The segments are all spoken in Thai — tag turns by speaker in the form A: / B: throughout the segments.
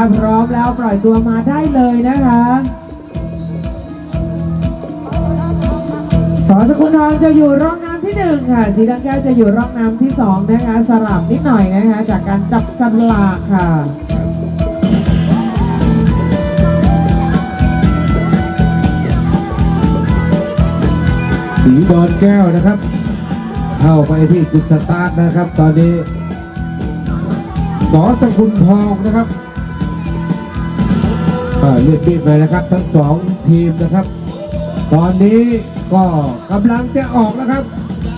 A: พร้อมแล้วปล่อยตัวมาได้เลยนะคะสอสกุลทองจะอยู่ร่องน้ำที่1ค่ะสีดำแก้วจะอยู่ร่องน้ำที่2นะคะสลับนิดหน่อยนะคะจากการจับสลากค่ะ
B: สีดอนแก้วนะครับเข้าไปที่จุดสตาร์ทนะครับตอนนี้สอสกุลทองนะครับเลือดปีดไปนะครับทั้ง2ทีมนะครับตอนนี้ก็กำลังจะออกแล้วครับ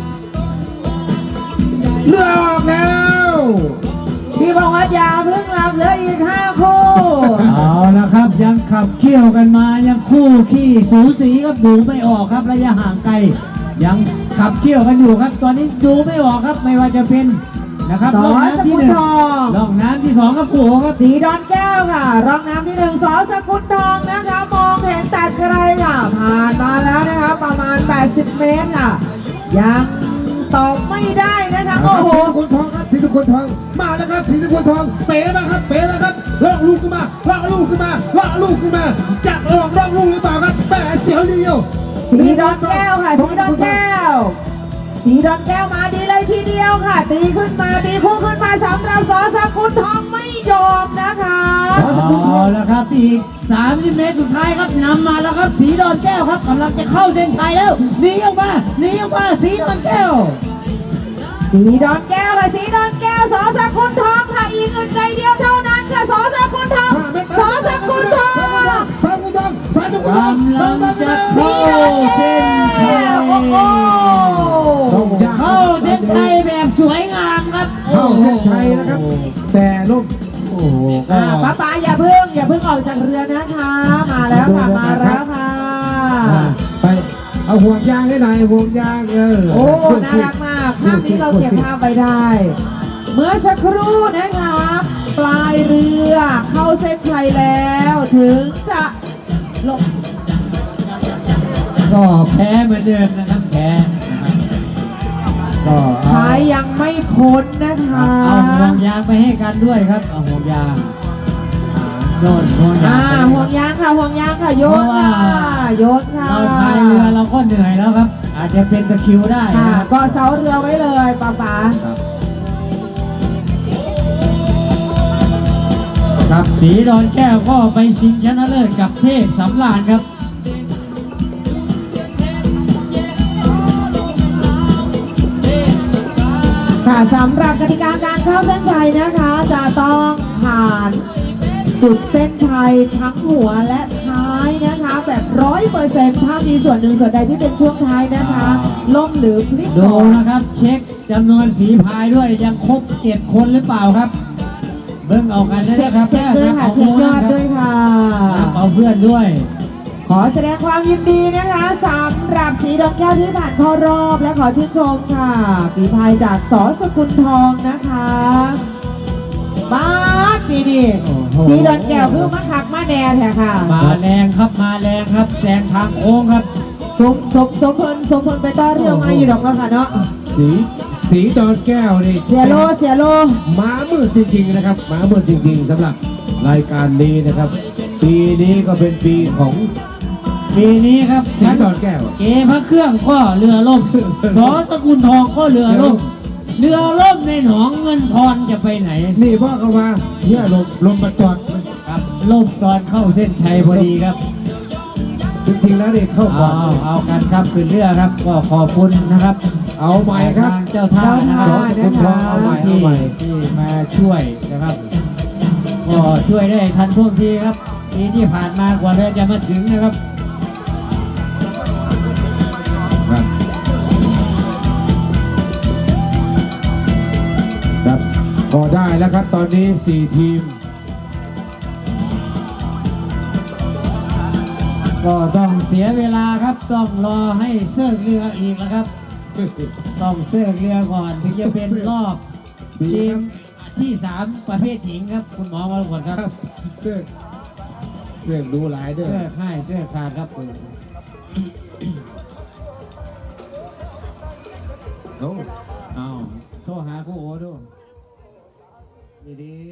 B: เลือออกแล้ว
A: พี่บอกว่าอย่าเพิ่งหลับเหลืออีก5 คู่
C: เอาละครับยังขับเคี่ยวกันมายังคู่ขี้สูสีครับดูไม่ออกครับระยะห่างไกลยังขับเคี่ยวกันอยู่ครับตอนนี้ดูไม่ออกครับไม่ว่าจะเป็นนะครับร่องน้ำที่1ร่องน้ำที่2ครับผู้ครับ
A: สีดอนแก้วค่ะร่องน้ำที่1สอสกุลทองนะคะมองเห็นแต่ไกลค่ะผ่านมาแล้วนะคะประมาณ80 เมตรค่ะยังตอบไม่ได้นะคะโอ้โห
B: สีสกุลทองครับสีสกุลทองมาแล้วครับสีสกุลทองเป๋มาครับเป๋มาครับลอกลูกขึ้นมาลอกลูกขึ้นมาลอกลูกขึ้นมาจับลอกลูกหรือเปล่าครับแต่เสียวเดียว
A: สีดอนแก้วค่ะสีดอนแก้วสีดอนแก้วมาดีเลยทีเดียวค่ะตีขึ้นมาดีคู่ขึ้นมาสำหรับสอสกุลทองไม่ยอมนะคะ
C: เอาละครับอีก30 เมตรสุดท้ายครับนำมาแล้วครับสีดอนแก้วครับกำลังจะเข้าเส้นชัยแล้วหนีออกมาสีดอนแก้ว
A: สีดอนแก้วค่ะสีดอนแก้วสอสกุลทองค่ะอีกอึดใจเดียวเท่านั้นค่ะสอสกุลทองสอสกุลทอง
B: สอสกุลทองสอสกุลทอง
C: กำลังจะเข้าเส้นชัยเข้าเส้นชัยแบบสวยงามครับ
B: เข้าเส้นชัยนะครับแต่ลูก
A: ป้าอย่าเพิ่งออกจากเรือนะคะมาแล้วค่ะมาแล้วค่ะ
B: ไปเอาห่วงยางให้หน่อยห่วงยาง
A: โอ้น่ารักมากภาพนี้เราเก็บภาพไว้ได้เมื่อสักครู่นะคะปลายเรือเข้าเส้นชัยแล้วถึงจะลง
C: ก็แพ้เหมือนเดิมนะครับแพ้
A: ก็ท้ายยังไม่พ้นนะคะ
C: เอาห่วงยางไปให้กันด้วยครับเอาห่วงยางห่วงยาง
A: ห่วงยางค่ะห่วงยางค่ะโยนค่ะโยนค่ะ
C: เราพายเรือเราก็เหนื่อยแล้วครับอาจจะเป็นตะคริวได้
A: ก็เสาเรือไว้เลยป้า
C: ครับสีดอนแก้วก็ไปชิงชนะเลิศกับเทพสำราญครับ
A: ค่ะสำหรับกติกาการเข้าเส้นชัยนะคะจะต้องผ่านจุดเส้นชัยทั้งหัวและท้ายนะคะแบบ100%ถ้ามีส่วนหนึ่งส่วนใดที่เป็นช่วงท้ายนะคะล่มหรือพลิก
C: ดูนะครับเช็คจำนวนฝีพายด้วยยังครบ7 คนหรือเปล่าครับเบิ่งเอากันนะครับ
A: เช็คด้วยค่ะเช็คยอดด้วยค่ะ
C: เอาเพื่อนด้วย
A: ขอแสดงความยินดีนะคะสำหรับสีดอนแก้วที่ผ่านเข้ารอบและขอชื่นชมค่ะฝีพายจากสอสกุลทองนะคะมาปีนี้สีดอนแก้วคือมาขักมาแดนแท้ค่ะ
C: มาแรงครับแซงทางโค้งครับ
B: ส
A: มพลไปต่อเรื่องมาอยู่ดอกแล้วค่ะเนาะ
B: สีดอนแก้วนี่
A: เสียโล
B: ม้ามืดจริงๆนะครับม้ามืดจริงๆสำหรับรายการนี้นะครับปีนี้ก็เป็นปีของ
C: ปีนี้ครับ
B: สีดอนแก้ว
C: เกพระเครื่องก็เรือล่มสอสกุลทองก็เรือล่มในหนองเงินทอนจะไปไหน
B: นี่พ่อเขามาเนี่ยลมมาจอด
C: ครับล่มตอนเข้าเส้นชัยพอดีครับ
B: จริงๆแล้วนี่เข้าก่อน
C: เอากันครับขึ้นเรือครับก็ขอบคุณนะครับ
B: เอาใหม่ครับ
C: เจ้าท่านะครับ
B: สอสกุลทองเอาใหม่
C: ที่มาช่วยนะครับก็ช่วยได้ทันท่วงทีครับปีที่ผ่านมากว่าเรือจะมาถึงนะครับ
B: ก็ได้แล้วครับตอนนี้4 ทีม
C: ก็ต้องเสียเวลาครับต้องรอให้เซิร์ฟเรืออีกนะครับต้องเซิร์ฟเรือก่อนถึงจะเป็นรอบทีมที่3ประเภทหญิงครับคุณหมอมาก่อนครับ
B: เซิร์ฟดูหลายเด้อ
C: เซิร์ฟขาดครับเอาโทรหาคู่โอ้ด้วย
B: ดี